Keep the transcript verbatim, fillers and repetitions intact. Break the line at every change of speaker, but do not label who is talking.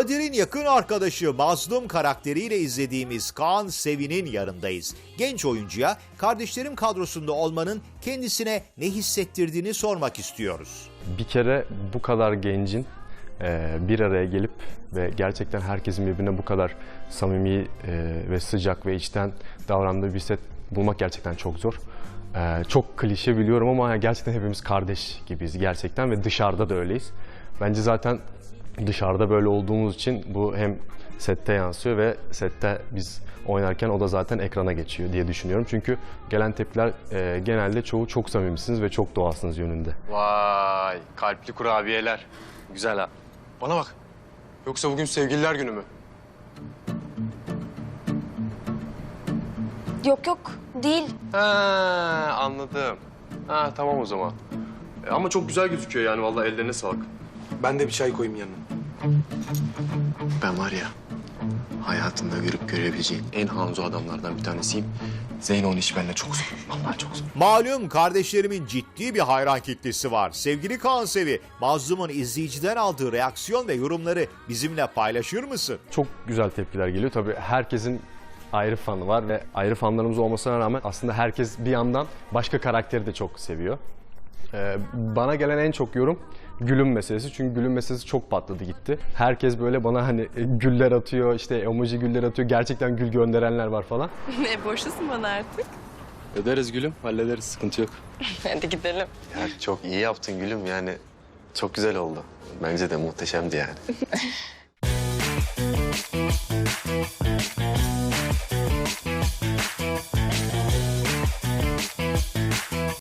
Kadir'in yakın arkadaşı Mazlum karakteriyle izlediğimiz Kaan Sevin'in yanındayız. Genç oyuncuya kardeşlerim kadrosunda olmanın kendisine ne hissettirdiğini sormak istiyoruz.
Bir kere bu kadar gencin e, bir araya gelip ve gerçekten herkesin birbirine bu kadar samimi e, ve sıcak ve içten davrandığı bir set bulmak gerçekten çok zor. E, çok klişe biliyorum ama gerçekten hepimiz kardeş gibiyiz gerçekten ve dışarıda da öyleyiz. Bence zaten dışarıda böyle olduğumuz için bu hem sette yansıyor ve sette biz oynarken o da zaten ekrana geçiyor diye düşünüyorum. Çünkü gelen tepkiler e, genelde çoğu çok samimisiniz ve çok doğalsınız yönünde.
Vay, kalpli kurabiyeler. Güzel ha. Bana bak. Yoksa bugün sevgililer günü mü?
Yok yok değil.
Ha, anladım. Ha, tamam o zaman. E, ama çok güzel gözüküyor yani vallahi ellerine sağlık.
Ben de bir çay koyayım yanına.
Ben var ya, hayatında görüp görebileceğin en hanzo adamlardan bir tanesiyim. Zeyno'nun işi benimle çok zor. Vallahi çok zor.
Malum kardeşlerimin ciddi bir hayran kitlesi var. Sevgili Kaan Sevi, Mazlum'un izleyiciden aldığı reaksiyon ve yorumları bizimle paylaşır mısın?
Çok güzel tepkiler geliyor. Tabii herkesin ayrı fanı var ve ayrı fanlarımız olmasına rağmen aslında herkes bir yandan başka karakteri de çok seviyor. Ee, bana gelen en çok yorum Gül'ün meselesi. Çünkü Gül'ün meselesi çok patladı gitti. Herkes böyle bana hani güller atıyor, işte emoji güller atıyor. Gerçekten gül gönderenler var falan.
Ne borçlusun bana artık?
Öderiz gülüm, hallederiz. Sıkıntı yok.
Hadi gidelim.
Ya çok iyi yaptın gülüm yani. Çok güzel oldu. Bence de muhteşemdi yani.